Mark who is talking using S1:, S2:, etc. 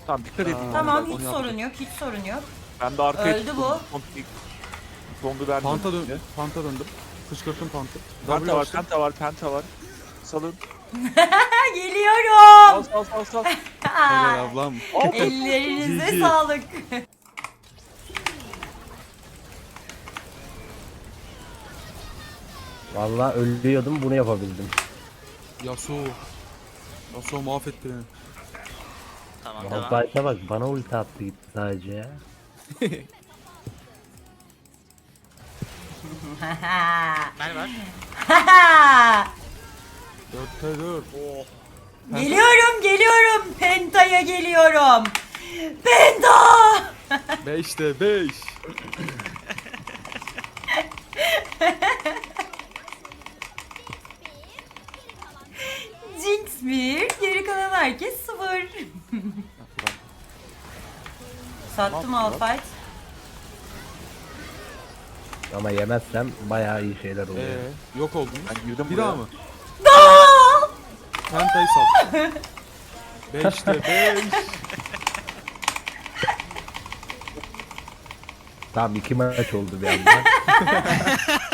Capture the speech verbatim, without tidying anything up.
S1: Tamam dikkat edin.
S2: Tamam
S1: Bak,
S2: hiç
S1: onu
S2: sorun
S1: yaptım.
S2: yok hiç sorun yok.
S1: Ben de arkaya
S2: Öldü
S1: tuttum.
S2: bu.
S1: Zombi- Zombi vermedim.
S3: Panta dön, panta döndüm. Kışkırttım pantı.
S1: Penta
S3: W
S1: var,
S3: açtım.
S1: penta var, penta var. Salın.
S2: Ha, geliyorum.
S1: Sal sal sal sal.
S3: Helal ablam.
S2: Ellerinize
S3: G G.
S2: sağlık.
S4: Vallahi ölüyordum, bunu yapabildim.
S3: Yasuo. Yasuo mahvetti beni.
S5: Tamam devam.
S4: Malphite'a bak, bana ulti attı gitti sadece ya.
S5: Mel var.
S3: Dörtte dört.
S5: Oh.
S2: Geliyorum geliyorum. Penta'ya geliyorum. Penta.
S3: Beşte beş.
S2: Jinx bir. Geri kalan herkes sıfır. Sattım Malphite.
S4: Ama yemezsem bayağı iyi şeyler oluyor.
S3: Ee, yok oldunuz.
S1: Ben girdim
S3: Bir
S1: buraya.
S3: daha mı?
S2: Aa!
S3: Penta'yı sal. Beşte beş.
S4: Tamam, iki maç oldu bir anda.